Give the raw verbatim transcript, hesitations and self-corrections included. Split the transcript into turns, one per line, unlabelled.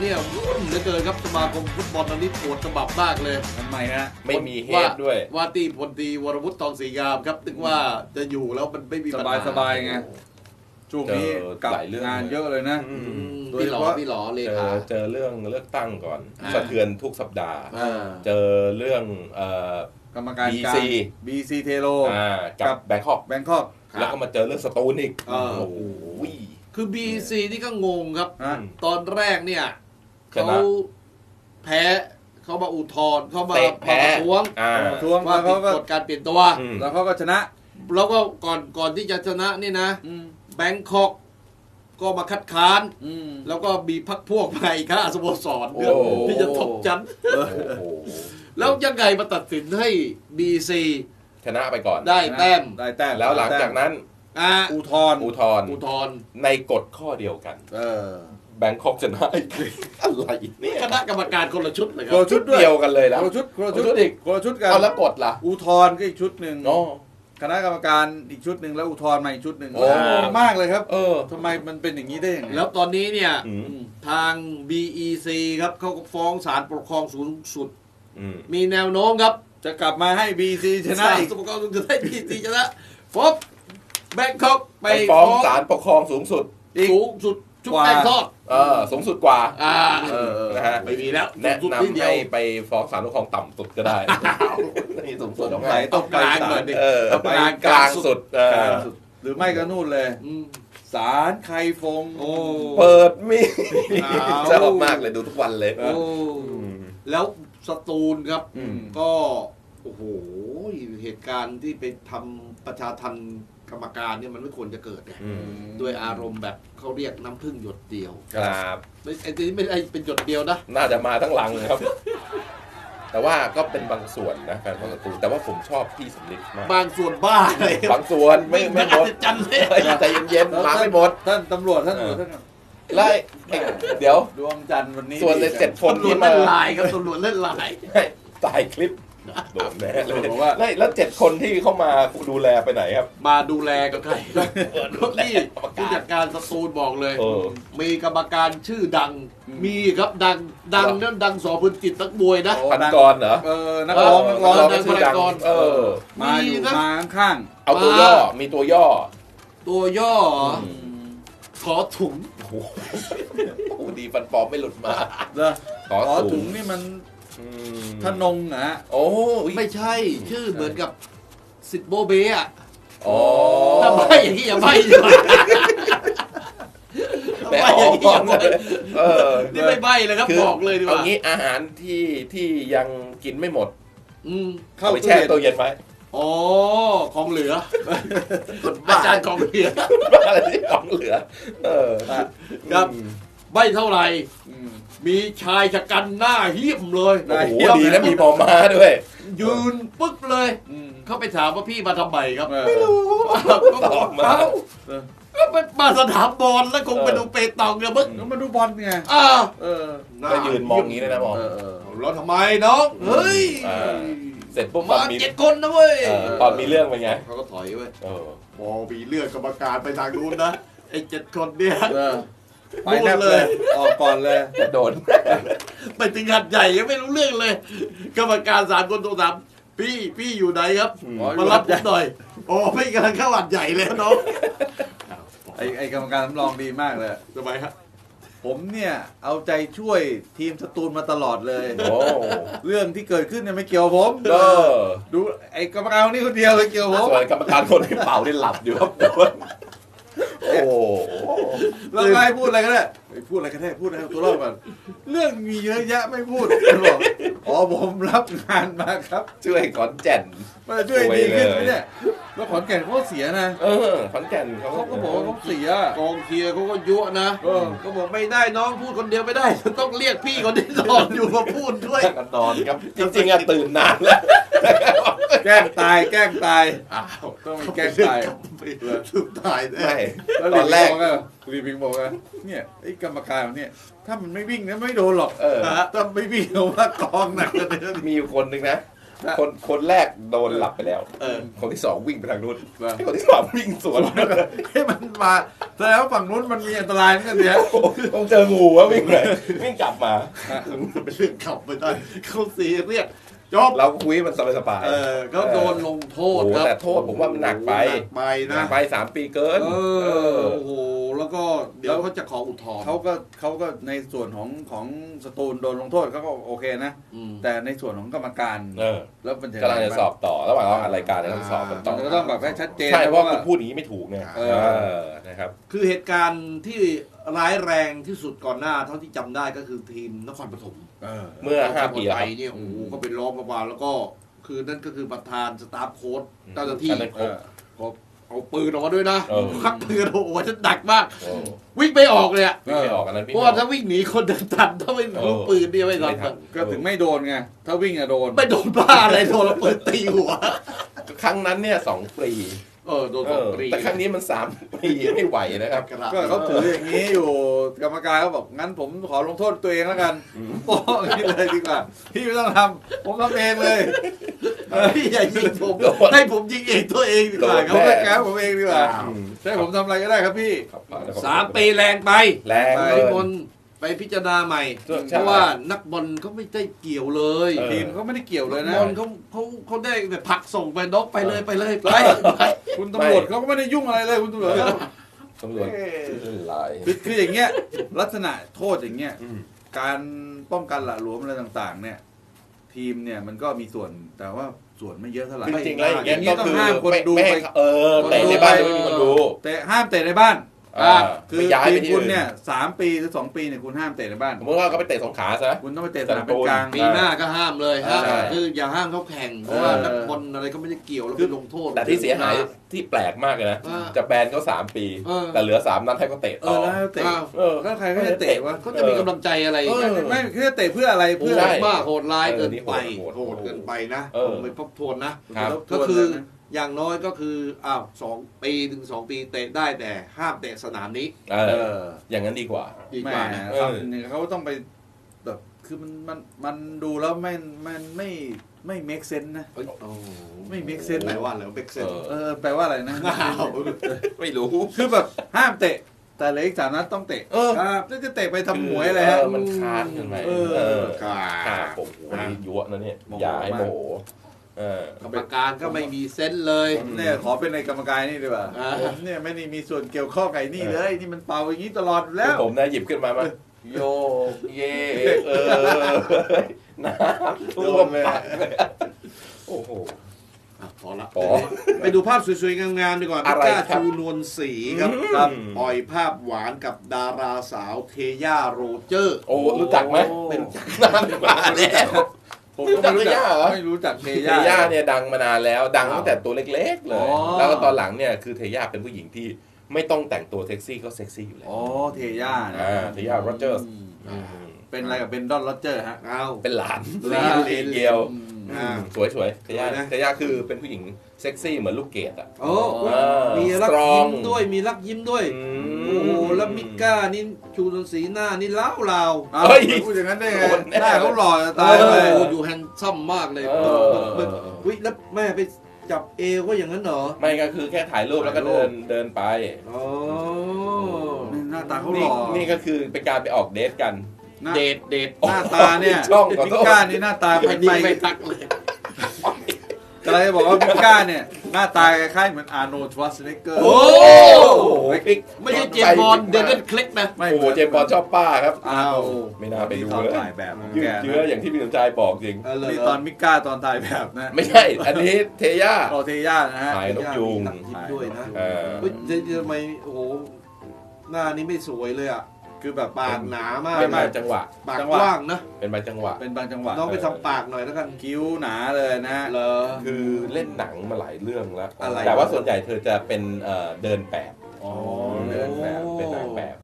เนี่ยวุ่นเหลือเกินครับสมาคมฟุตบอลตอนนี้ปวดฉบับมากเลย
ทำไมฮะ
ไม่มีเฮดด้วย
ว่าตีพลตรีวรวุฒิทองศรีงามครับนึกว่าจะอยู่แล้วมันไม่มี
สบายสบายไงช่วงนี้กับงานเยอะเลยนะ
พี่หลอพี่หลอเลยค่ะ
เจอเรื่องเลือกตั้งก่อนสะเทือนทุกสัปดาห์เจอเรื่อง
กรรมการ
บี ซี
บี ซี เทโล
กับแบงคอก
แบงคอก
แล้วก็มาเจอเรื่องสตูลอีก
โอ้โหคือ บี ซี นี่ก็งงครับตอนแรกเนี่ยเขาแพ้เขามาอุทธรณ์เขามาประท้วง
ทวง
ว่าผิดกฎการเปลี่ยนตัว
แล้วเขาก็ชนะ
แล้วก็ก่อนก่อนที่จะชนะนี่นะแบงคอกก็มาคัดค้านแล้วก็มีพรรคพวกไปข้าสโมสรที่จะทบจันแล้วยังไงมาตัดสินให้ บี ซี
ชนะไปก่อน
ได้แต้ม
ได้แต้ม
แล้วหลังจากนั้น
อุทธรณ์
อุทธรณ์
อุทธรณ์
ในกฎข้อเดียวกันแบงคอกชนะอะไรเนี่ย
คณะกรรมการคนละชุดเลยครั
บคนละชุดเดียวกันเลยนะ
คนละชุดคนละชุด
อีก
คนละชุดกัน
เอาแล้วกฎล่ะ
อุทธรณ์ก็อีกชุดหนึ่งคณะกรรมการอีกชุดหนึ่งแล้วอุทธรณ์มาอีกชุดหนึ่งมากเลยครับเออทำไมมันเป็นอย่างนี้ได้ยังไง
แล้วตอนนี้เนี่ยทาง บี อี ซี ครับเขาก็ฟ้องศาลปกครองสูงสุดมีแนวโน้มครับ
จะกลับมาให้ บี ซี ชนะอีก
ศาลปกครองสูงสุดให้ บี ซี ชนะฟบแบงคอกไป
ฟ้องศาลปกครองสูงสุด
สูงสุดชุดแป้งทอด
เออสูงสุดกว่า
อ่า
นะฮะ
ไม่มีแล้ว
แนะนำให้ไปฟ้องศาลปกครองต่ำสุดก็ได้นี่สูงสุด
ของไหนต้องไปศาล
เออไปกลางสุด
หรือไม่ก็นู่นเลยศาลไคฟง
เปิดมีชอบมากเลยดูทุกวันเลย
แล้วสตูลครับก็โอ้โหเหตุการณ์ที่ไปทำประชาทัณฑ์กรรมการเนี่ยมันไม่ควรจะเกิดไงด้วยอารมณ์แบบเขาเรียกน้ำผึ้งหยดเดียว
ครับ
ไม่ไอ้ที่ไม่ไอ้เป็นหยดเดียวนะ
น่าจะมาทั้งลังครับแต่ว่าก็เป็นบางส่วนนะแฟนบอลสตูลแต่ว่าผมชอบพี่สำลิดมาก
บางส่วนบ้าเลย
บางส่วนไม่ไม่หมด
จันเลย
ใจเย็นๆมาไม่หมด
ท่านตำรวจท่านตำรวจท่าน
ไล่เดี๋ยว
ดวงจันทร์วันนี้
ส่วนในเจ็ดคนที่
มาเล่นลายครับตำรวจเล่นลาย
ตายคลิปโดนแน่เลยว่าแล้วเจ็ดคนที่เข้ามาดูแลไปไหนครับ
มาดูแลกับใครนี่ผู้จัดการสตูลบอกเลยมีกรรมการชื่อดังมีครับดังดังนั่นดังสอพื้นจิตนักมวยนะ
พันกรเหรอ
เออนักร้องนักร้อง
นัก
ดังเออ
มาอยู่มาข้าง
เอาตัวย่อมีตัวย่อ
ตัวย่อขอถุง
โอ้ดีฟันปลอมไม่หลุดมา
ขอถุงนี่มันทนงนะ
โอ้ไม่ใช่ชื่อเหมือนกับสิทธิ์โบเบะ
อ๋อ
ถ้าไม่อย่างนี้อย่าไม่ดีกว่าไม่อย่างนี้อย่าไม่เออนี่ไม่ใบเลยครับบอกเลยดีกว่า
เอางี้อาหารที่ที่ยังกินไม่หมดเข้าไปแช่ตู้เย็นไว้
อ๋อของเหลืออาจารย์ของเหลือ
อะไรที่ของเหลือเออ
ครับใบเท่าไหร่มีชายชะกันหน้าเหี้ยมเลย
โอ้โหดีนะมีหมอม้าด้วย
ยืนปึ๊กเลยเขาไปถามว่าพี่มาทำไมครับ
ไม่รู้
ตอบมาก็ไปมาสนามบอลแล้วคงไปดูเปตองเนี่ยมึง
มาดูบอลไง
อ่าเออ
ก็ยืนมองอย่างนี้เลยนะมอง
แล้วทำไมน้องเฮ้ย
เสร็จปุ๊บ
มาเจ็ดคนนะเว้ย
ตอนมีเรื่องเป็นไง
เขาก็ถอยเว้ยพอมีเรื่องกรรมการไปทางนู้นนะไอ้เจ็ดคนเนี่ย
ไปแน่เลยออกก่อนเลย
จะโดน
ไปถึงหัดใหญ่ยังไม่รู้เรื่องเลยกรรมการสามคนโทรถามพี่พี่อยู่ไหนครับมารับผมหน่อยโอ้พี่กำลังเข้าหัดใหญ่เลยน้อง
ไอ้ไอ้กรรมการสำรองดีมากเลย
ทำไมครับ
ผมเนี่ยเอาใจช่วยทีมสตูลมาตลอดเลยเรื่องที่เกิดขึ้นเนี่ยไม่เกี่ยวผมดูไอ้กรรมการนี่คนเดียวเลยเกี่ยวผม
ส่วนกรรมการคนที่เป่าที่หลับอยู่ครับโอ้
เราไม่พูดอะไรก็ได้พูดอะไรก็ได้พูดอะไรตัวรอดก่อนเรื่องมีเยอะแยะไม่พูดบอกอ๋อผมรับงานมาครับ
ช่วยขอนแก่น
มาช่วยดีขึ้นไหมเนี่ยแล้วขอนแก่นเขาเสียนะ
เออขอนแก่นเขา
ก็บอกว่าเขาเสีย
กองเชียร์เขาก็ยั่วนะก็บอกไม่ได้น้องพูดคนเดียวไม่ได้ต้องเรียกพี่คนที่นอนอยู่มาพูดด้วย
กันนอนครับจริงๆอะตื่นนานแล้ว
แกล้งตายแกล้งตายอ้าวต้องแกล้งตาย
สุดตาย
ได้ตอนแรก
รีพิงบอกว่าเนี่ยไอ้กรรมการเนี่ยถ้ามันไม่วิ่งนะไม่โดนหรอกเออถ้าไม่วิ่งเอาว่ากองหนักเลย
มีอยู่คนหนึ่งนะคนคนแรกโดนหลับไปแล้ว
เออ
คนที่สองวิ่งไปทางนู้น
ว่า
ให้คนที่สามวิ่งสวน
ให้มันมาแสดงว่าฝั่งนู้นมันมีอันตรายเหมือนกันเนี่ย
ต้องเจองูวะวิ่งเลยวิ่งกลับมา
มันเป็นเรื่องขับไม่ได้เขาซีเรียสจบ
เราคุยมันสบาย
เออเขาโดนลงโท
ๆโอ้
ษ
โห
ครับ
แต่โทษผมว่ามันหนักไป
หนักไป
หนั
นะ
กไปสามปีเกิน
เออโอ้โหแล้วก็เดี๋ยวเขาจะขออุทธรณ์
เขาก็เขาก็ในส่วนของของสตูลโดนลงโทษเขาก็โอเคนะ
อืม
แต่ในส่วนของกรรมการ
เออ
แล้วมันจะ
กำลังจะสอบต่อระหว่างเราอัดรายการเนี่ยต้องสอบกันต่อ
มันก็ต้องแบบให้ชัดเจน
ใช่เพราะ
ว่า
คุณพูดอย่างนี้ไม่ถูกไง
เอ
เอ
อ
อนะครับ
คือเหตุการณ์ที่ร้ายแรงที่สุดก่อนหน้าเท่าที่จำได้ก็คือทีมนครปฐม
เออ
เมื่อห้าปีแล้ว
ไป
ครับ
เนี่ยโอ้โหก็เป็นล้อมประมาณแล้วก็คือนั่นก็คือประธานสตาฟโค้ชเจ้าหน้าที่
อันนั้นครบ
ก็เอาปืนออกมาด้วยนะ
เออ
ควักปืนโอ้โหฉันดักมาก
โอ้
วิ่งไปออกเลยอะ
วิ่งไม่ออกอันนั้น
เพ
วิ่ง
ราะ
ไม่อ
ว่า
อก
ถ้าวิ่งหนีคนเดินทันถ้าไม่รู้ปืนเนี่ยไม่ทั
ไม่ทั
น
น
ก็ถึงไม่โดนไง ถ้าวิ่งอะโดน
ไม่โดนบ้าอะไรโดนแล้วปืนตีหัว
ครั้งนั้นเนี่ยสองปี
เออโดน
เอ
สอง
อ
ปี
แต่ครั้งนี้มันสามปีไม่ไหวนะครับ
ก็เขาถืออย่างนี้อยู่กรรมการเขาบอกงั้นผมขอลงโทษตัวเองแล้วกันโอ้อย่างนี้เลยดีกว่าพี่ไม่ต้องทำผมทำเองเลย
พี่อย่ายิงผม
โดน
ให้ผมยิงเองตัวเองดีกว่า
โดน
ค
เขา
รับ
จะแก้ผมเองดีกว่า
อืม
ใช่ผมทำอะไรก็ได้ครับพี่
ครับ
สามปีแรงไป
แรง
ไป
เล
พี่
ย
มนไปพิจารณาใหม่
ใช่
เพราะว่านักบอลเขาไม่ได้เกี่ยวเลย
เออ
ทีมเขาไม่ได้เกี่ยวเลย
นั
นะ
กบอลเขาเขาเขาได้แบบผลักส่งไปนกไปเลยไปเลยไปไป
คุณตำรวจเขาก็ไม่ได้ยุ่งอะไรเลยคุณตำรวจ
ตำรวจหลาย
คือคืออย่างเงี้ยลักษณะโทษอย่างเงี้ย
อืม
การป้องกันหละหลวมอะไรต่างๆ เนี่ย ทีมเนี่ยมันก็มีส่วนแต่ว่าส่วนไม่เยอะเท่าไหร่
จริงๆแล้วอย่างเงี้ย
อย่างงี้
ก็
ต้อง
คือ
ห้ามคน
ไม่
ดู
ไม่ให้
ไป
เออเตะในบ้านไม่มีคนดู
แต่ห้ามเตะในบ้าน
อ่า
คือ
ไม่ย้าย
ที
ไป
ม
ที่
คุณ
อื่น
เนี่ยสามปีหรือสองปีเนี่ยคุณห้ามเตะในบ้าน
สมมติว่าเขาไปเตะสงขลาซะ
คุณต้องไปเตะสนามเป็นกลาง
ปีหน้าก็ห้ามเลยห้าม
ใช่
คืออย่าห้ามเขาแข่งเพราะว่า
เออ
นักบอลอะไรก็ไม่ได้เกี่ยวแล้ว
คื
ไป
อ
ลงโทษ
แต่ที่เสียหายที่แปลกมากเลยนะ
อ่า
จะแบนเขาสามปี
เออ
แต่เหลือสามนัดให้เขาเตะ
เอ
ต่
อ
อ
แล้วเตะ
อ้าว
เออ
แล้วใครเขาจะเตะวะ
เขาจะมีกำลังใจอะไร
เออ
ไม่เขาจะเตะเพื่ออะไร
โห
เพื่อ
ใช่
ดมากโหดร้ายเกินไป
เออนี่โหด
โหดเกินไปนะ
เออ
ผมไปทบทวนนะ
ครับ
ก็คืออย่างน้อยก็คืออ้าวสองปีถึงสองปีเตะได้แต่ห้ามเตะสนามนี้
เอ
เอ
อ
อ
อย่างนั้นดีกว่า
ดี
แหม่
กว่านะ
เออ
ทำเนี่ยเขาต้องไปแบบคือมันมันมันดูแล้วไม่มันไม่ไม่ make sense นะ
เอ้ยโอ้
ไม่ make sense
แปลว่าอะไรเบกเซน
เออ
เออแปลว่าอะไรนะ
อ้าว
ไม่รู้
คือแบบห้ามเตะ แต่เหลืออีกสามนัดต้องเตะ
เออ
ครับแล้วจะเตะไปทำหมวยอะไรฮะ
เออมันค้านกันไป
เออ
เออ
ค่ะ
ฆ่าผมโอ้โหนี่ยั่วนะเนี่ย
โมโห
อย่าให้โมโหเออก
รรมการก็ไม่มีเซนส์เลย
ผมเนี่ยขอเป็นในกรรมการนี่ดีกว่า
อ่า
ผมเนี่ยไม่ได้มีส่วนเกี่ยวข้องไก่นี่เลย นี่มันเป่าอย่างนี้ตลอดอยู่แล้ว
ผมนะหยิบขึ้นมามาโยกเยกเออน้ำท่วมเลยโอ้โห
อ่ะพอละ
พอ
ไปดูภาพสวยๆ งามๆดีกว่า
อะไร
พิก้า
ครับ
ชูนวลศรีครับ
ครับ
ปล่อยภาพหวานกับดาราสาวเทย่าโรเจอร์
โอ้รู้จักไหมเป็นนานกว่าแล้ว
ผมก็ไม่รู้จัก
ไม่รู้จักเทย่าเหรอ
ไม่รู้จักเท
เท
ย่า
ย่าเนี่ยดังมานานแล้วดังตั้งแต่ตัวเล็กๆเลย
อ๋อ
แล้วก็ตอนหลังเนี่ยคือเทย่าเป็นผู้หญิงที่ไม่ต้องแต่งตัวเซ็กซี่ก็เซ็กซี่อยู่แล้ว
อ๋อเทย่านะ
อ่าเทย่าโรเจอร์ส
อืมเป็นอะไรกับเบนดอนโรเจอร์ฮะ
เอา
เป็นหลาน
หลาน
ลีเกียว
อืม
อ่า
สวยสวยๆเทย่า
สวยนะ
เทย่าคือเป็นผู้หญิงเซ็กซี่เหมือนลูกเกดอ่ะ
โอ้
อ่ามี
มีรัก
strong
ยิ้มด้วยมีรักยิ้มด้วย
อืม
โอ้โหแล้วมิก้านี่ชูนวลศรีหน้านี่ล้าวลาว
เอา
เฮ้ย
พูดอย่างนั้นได้ไง
โดนแน่
หน้าเขาหล่อจะ
ตา
ตาย ย
เล
เลย ย
อยู่แฮนซัมมากเลย
เออ
วิแล้วแม่ไปจับเอวก็อย่างนั้นเหรอ
ไม่ก็คือแค่ถ่ายรูปแล้วก็เดินเดินไป
อ๋อ
หน้าตาเขาห
นี่
ล่อ
นี่ก็คือเป็นการไปออกเดทกัน
หน้า
เดทเดท
หน้าตาเนี่ย
ช่องขอ
มิ
โทษ
ก้านี่หน้าตา
ไป
เป็น
ดี
ไป
ไม่ทักเลย
อะไรจะบอกว่ามิก้าเนี่ยหน้าตาคล้ายๆเหมือนอาร์โนลด์ ชวัตซ์เนกเกอร์
โอ้
ไม่
ไม่ใช่เจมส์บอลเดนเดนคลิกนะ
ไม่
โอ้โหเจมส์บอลชอบป้าครับ
อ้าว
ไม่น่าไปดู
ตอน
เลย
ถ่ายแบบของ
ยื
แก
ดเยื้ออย่างที่พี่สมชายบอกจริง
เออเลย
นี่ตอนมิก้าตอนถ่ายแบบนะ
ไม่ใช่ อันนี้เทย่า
โรเทย่านะฮะ
ถ่ายนกยูง
ตัดยิ้มด้วยนะ
เออ
เฮ้ยทำไมโอ้โหหน้านี้ไม่สวยเลยอ่ะ
คือแบบ
ปากหนามาก
เป็นบางจังหวะ
ปาก
จัง
ก
หวะ
ว้างนะ
เป็นบางจังหวะ
เป็นบางจังหวะ
น้องไปทำปากหน่อยแล้วกัน
คิ้วหนาเลยนะฮะ
เหรอ
คือเล่นหนังมาหลายเรื่องแล้ว
อะไร
แต่ว่าส่วนใหญ่เธอจะเป็นเอ่อเดินแบบ
อ๋อเดินแบบ
เป็นนางแบบ